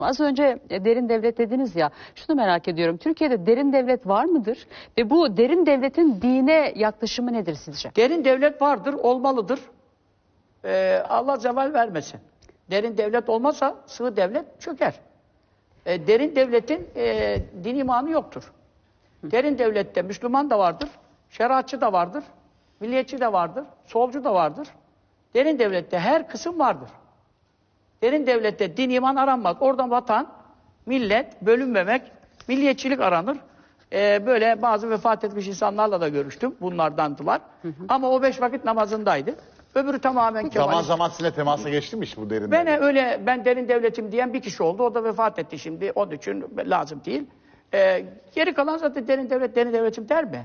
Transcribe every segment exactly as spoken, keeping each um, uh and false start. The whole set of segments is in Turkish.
Az önce derin devlet dediniz ya, şunu merak ediyorum. Türkiye'de derin devlet var mıdır? Ve bu derin devletin dine yaklaşımı nedir sizce? Derin devlet vardır, olmalıdır. Ee, Allah zeval vermesin. Derin devlet olmazsa sığ devlet çöker. Ee, derin devletin e, din imanı yoktur. Derin devlette Müslüman da vardır, şeriatçı da vardır, milliyetçi de vardır, solcu da vardır. Derin devlette her kısım vardır. Derin devlette din iman aranmaz. Oradan vatan, millet, bölünmemek, milliyetçilik aranır. Ee, böyle bazı vefat etmiş insanlarla da görüştüm. Bunlardandılar. Hı hı. Ama o beş vakit namazındaydı. Öbürü tamamen Kemalist. Zaman zaman sizinle temasa geçti mi bu derin Ben devlet? öyle, ben derin devletim diyen bir kişi oldu. O da vefat etti şimdi. Onun için lazım değil. Ee, geri kalan zaten derin devlet, derin devletim der mi?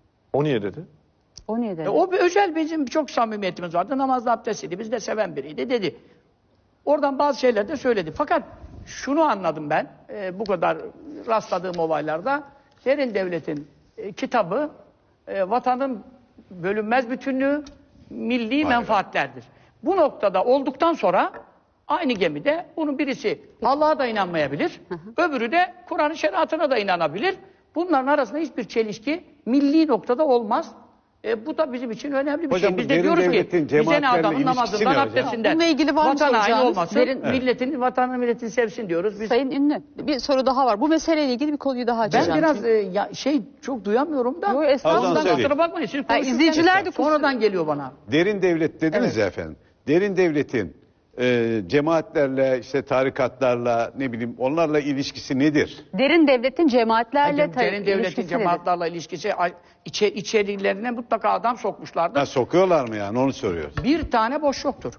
O niye dedi? O niye dedi? E, o bir özel, bizim çok samimiyetimiz vardı. Namazda abdestliydi. Biz de seven biriydi dedi. Oradan bazı şeyler de söyledi. Fakat şunu anladım ben, e, bu kadar rastladığım olaylarda, derin devletin e, kitabı, e, vatanın bölünmez bütünlüğü, milli Aynen. menfaatlerdir. Bu noktada olduktan sonra aynı gemide bunun birisi Allah'a da inanmayabilir, hı hı. öbürü de Kur'an-ı Şeriatına da inanabilir. Bunların arasında hiçbir çelişki milli noktada olmaz. E, bu da bizim için önemli bir hocam, şey. Biz de diyoruz ki, bize ne adamın namazından, abdestinden, bununla ilgili var vatan haini olmasın, derin, evet. milletin, vatanı milletini sevsin diyoruz. Biz... Sayın Ünlü, bir soru daha var. Bu meseleyle ilgili bir konuyu daha açacağım. Ben biraz e, ya, şey çok duyamıyorum da. Yok, estağfurullah. Kusura bakmayın. Siz yani izleyiciler de sonradan geliyor bana. Derin devlet dediniz evet. ya efendim. Derin devletin e, cemaatlerle, işte tarikatlarla, ne bileyim onlarla ilişkisi nedir? Derin devletin cemaatlerle yani, derin devletin cemaatlerle ilişkisi içe, içerilerine mutlaka adam sokmuşlardır. Ha, sokuyorlar mı yani, onu soruyoruz. Bir tane boş yoktur.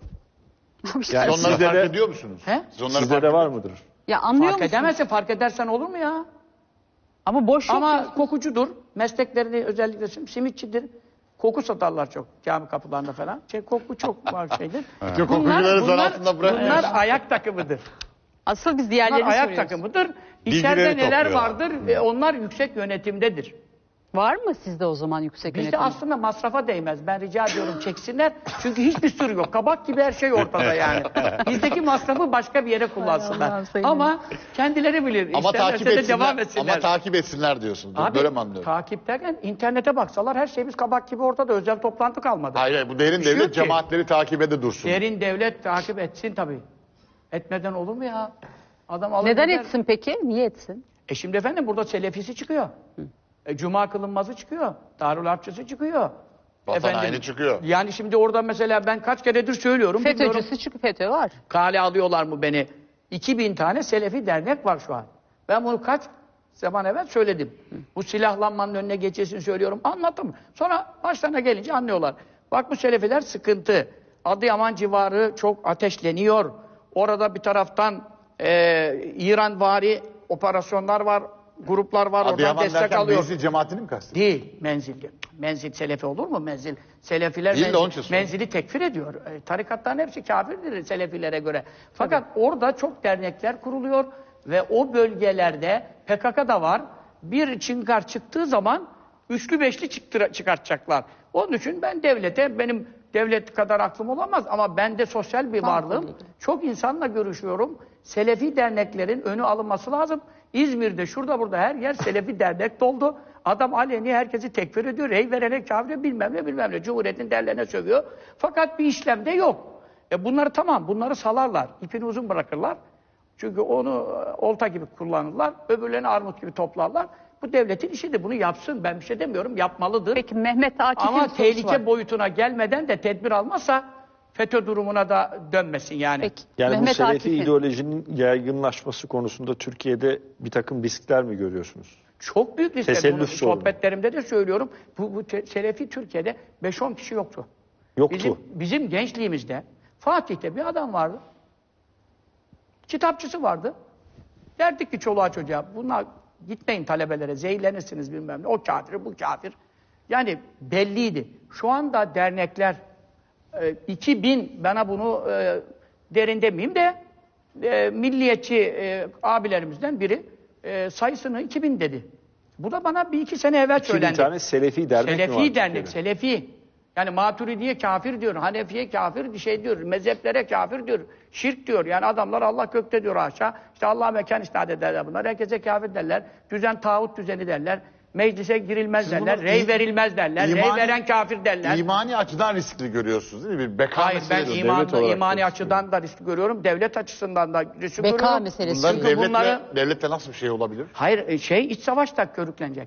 Yani onları fark de, ediyor musunuz? He? Sizde de var mıdır? Ya anlıyor fark musun? edemezsin, fark edersen olur mu ya? Ama boş yok. Ama diyorsun. Kokucudur. Mesleklerini özellikle simitçidir. Koku satarlar çok cami kapılarında falan. Şey, koku çok var şeydir. Bunlar, kokucuları zan altında bırakmıyor. Bunlar ayak takımıdır. Asıl biz diğerlerini bunlar ayak soruyoruz. takımıdır. İçeride neler vardır? E, onlar yüksek yönetimdedir. Var mı sizde o zaman yüksek Bizde yönetim? aslında masrafa değmez. Ben rica ediyorum çeksinler. Çünkü hiçbir sürü yok. Kabak gibi her şey ortada yani. Bizdeki masrafı başka bir yere kullansınlar. Ama kendileri bilir. Ama takip etsinler, devam etsinler. ama takip etsinler diyorsunuz. Abi, böyle mi anlıyorum? Takip derken internete baksalar her şeyimiz kabak gibi ortada. Özel toplantı kalmadı. Hayır, hayır bu derin bir şey devlet cemaatleri takip ede dursun. Derin devlet takip etsin tabii. Etmeden olur mu ya? Adam alır Neden gider. etsin peki? Niye etsin? E şimdi efendim burada selefisi çıkıyor. Hı. E, Cuma kılınmazı çıkıyor. Darül Harpçısı çıkıyor. Vatan efendim, haini çıkıyor. Yani şimdi orada mesela ben kaç keredir söylüyorum. FETÖ'cüsü çıkıyor, FETÖ var. Kale alıyorlar mı beni? iki bin tane Selefi dernek var şu an. Ben bunu kaç zaman evvel söyledim. Hı. Bu silahlanmanın önüne geçesini söylüyorum. Anlattım. Sonra başlarına gelince anlıyorlar. Bak bu Selefiler sıkıntı. Adıyaman civarı çok ateşleniyor. Orada bir taraftan e, İran-vari operasyonlar var. Gruplar var, Adıyaman oradan destek derken alıyor. Menzil cemaatini mi kastediyorsun? Değil, menzil. Menzil Selefi olur mu? Menzil. Selefiler Değil menzil, menzili tekfir ediyor. E, tarikatların hepsi kafirdir Selefilere göre. Fakat Tabii. orada çok dernekler kuruluyor ve o bölgelerde P K K da var. Bir çınkar çıktığı zaman üçlü beşli çıktıra, çıkartacaklar. Onun için ben devlete, benim devlet kadar aklım olamaz ama ben de sosyal bir varlığım. Çok insanla görüşüyorum. Selefi derneklerin önü alınması lazım. İzmir'de şurada burada her yer Selefi dernek doldu. Adam aleni herkesi tekfir ediyor. Rey verene kafire bilmem ne bilmem ne. Cumhuriyetin derlerine sövüyor. Fakat bir işlemde yok. E bunları tamam bunları salarlar. İpini uzun bırakırlar. Çünkü onu olta gibi kullanırlar. Öbürlerini armut gibi toplarlar. Bu devletin işidir. Bunu yapsın. Ben bir şey demiyorum. Yapmalıdır. Peki Mehmet Akif'in Ama tehlike var. boyutuna gelmeden de tedbir almazsa FETÖ durumuna da dönmesin yani. Peki. Yani Mehmet bu Selefi Akif'in... ideolojinin yaygınlaşması konusunda Türkiye'de bir takım riskler mi görüyorsunuz? Çok büyük riskler. Tesellüf Bunu sorunu. sohbetlerimde de söylüyorum. Bu, bu te, Selefi Türkiye'de beş on kişi yoktu. Yoktu. Bizim, bizim gençliğimizde Fatih'te bir adam vardı. Kitapçısı vardı. Derdik ki çoluğa çocuğa bunlar gitmeyin talebelere zehirlenirsiniz bilmem ne. O kafir, bu kafir. Yani belliydi. Şu anda dernekler e, iki bin bana bunu e, derin demeyeyim de e, milliyetçi e, abilerimizden biri e, sayısını iki bin dedi. Bu da bana bir iki sene evvel söylendi. iki bin tane Selefi dernek Selefi mi var dernek, Türkiye'de? Selefi. Yani Maturidiye kafir diyor, Hanefiye kafir bir şey diyor, mezheplere kafir diyor, şirk diyor. Yani adamlar Allah gökte diyor aşağı. İşte Allah mekan isnat ederler bunlar. Herkese kafir derler. Düzen tağut düzeni derler. Meclise girilmez Siz derler. bunu Rey i- verilmez derler. Rey imani- veren kafir derler. İmani açıdan riskli görüyorsunuz değil mi? Bir beka Hayır ben meselesi. imanlı, devlet olarak imani da açıdan da risk görüyorum. Devlet açısından da risk Beka görüyorum. meselesi. Bunların Çünkü devletle, bunları... devletle nasıl bir şey olabilir? Hayır e, şey iç savaşta körüklenecek.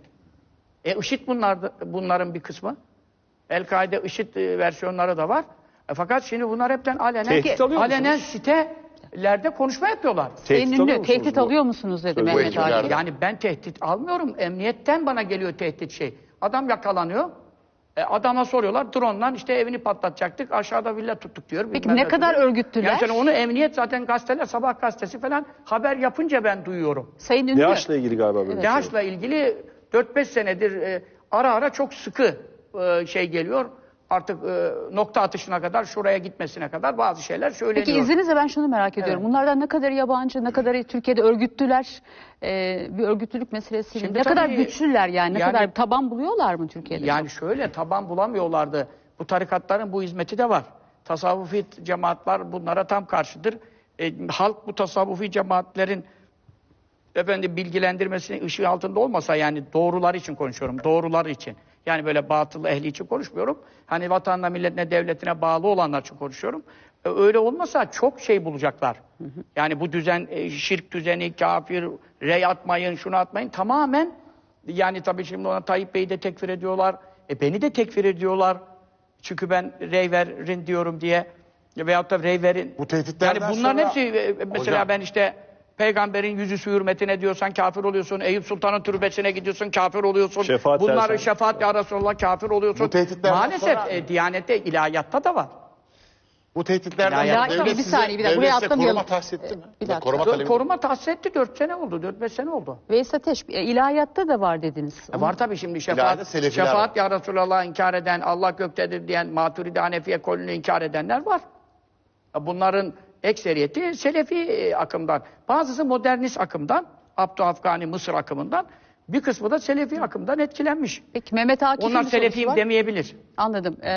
E IŞİD bunlar, bunların bir kısmı. El-Kaide IŞİD e, versiyonları da var. E, fakat şimdi bunlar hepten alenen, Tehdit alıyor alenen musunuz? sitelerde konuşma yapıyorlar. Sayın alıyor Ünlü, musunuz tehdit bu? alıyor musunuz dedi Bu Mehmet ekiplerden. Akif. Yani ben tehdit almıyorum. Emniyetten bana geliyor tehdit şey. Adam yakalanıyor. E, adama soruyorlar. Drone'dan işte evini patlatacaktık. Aşağıda villa tuttuk diyor. Peki bilmem ne kadar diyor. örgütlüler? Yani onu emniyet zaten gazeteler, sabah gazetesi falan haber yapınca ben duyuyorum. Sayın Ünlü. DAEŞ'le ilgili galiba böyle bir şey. DAEŞ'la ilgili dört beş senedir e, ara ara çok sıkı e, şey geliyor. Artık e, nokta atışına kadar, şuraya gitmesine kadar bazı şeyler söyleniyor. Peki izninizle ben şunu merak ediyorum. Evet. Bunlardan ne kadar yabancı, ne kadar Türkiye'de örgütlüler, e, bir örgütlülük meselesiyle Şimdi ne kadar tabii- güçlüler yani, ne yani- kadar taban buluyorlar mı Türkiye'de? Yani şöyle taban bulamıyorlardı. Bu tarikatların bu hizmeti de var. Tasavvufi cemaatler bunlara tam karşıdır. E, halk bu tasavvufi cemaatlerin efendim bilgilendirmesinin ışığı altında olmasa, yani doğrular için konuşuyorum. Doğrular için. Yani böyle batıl ehli için konuşmuyorum. Hani vatanına, milletine, devletine bağlı olanlar için konuşuyorum. E, öyle olmasa çok şey bulacaklar. Yani bu düzen, e, şirk düzeni, kafir, rey atmayın, şunu atmayın. Tamamen, yani tabii şimdi ona Tayyip Bey'i de tekfir ediyorlar. E beni de tekfir ediyorlar. Çünkü ben rey verin diyorum diye. Veyahut da rey verin. Bu tehditlerden Yani bunların sonra- hepsi, e, mesela Hocam- ben işte peygamberin yüzüsü hürmetine diyorsan kafir oluyorsun. Eyüp Sultan'ın türbesine gidiyorsun, kafir oluyorsun. Şefaat Bunları dersen- şefaat ya Resulallah, kafir oluyorsun. Bu tehditlerden Maalesef sonra- e, Diyanette, ilahiyatta da var. Bu tehditlerden Ya, sonra ya, devlet bir size, saniye, bir dakika. devlet Buraya size atlamayalım. koruma tahsis etti mi? Bir dakika. Koruma Dö- talebi. koruma tahsis etti, dört sene oldu, dört beş sene oldu. Veys Ateş, e, ilahiyatta da var dediniz. E, var tabii şimdi İlahide şefaat, selefiler şefaat ya Resulallah inkar eden, Allah göktedir diyen, Maturidi Hanefiye kolunu inkar edenler var. E, Bunların ekseriyeti Selefi e, akımdan. Bazısı modernist akımdan, Abdü Afgani Mısır akımından. Bir kısmı da Selefi akımdan etkilenmiş. Peki Mehmet Akif'in Onlar bir sorusu Selefiyim var. demeyebilir. Anladım.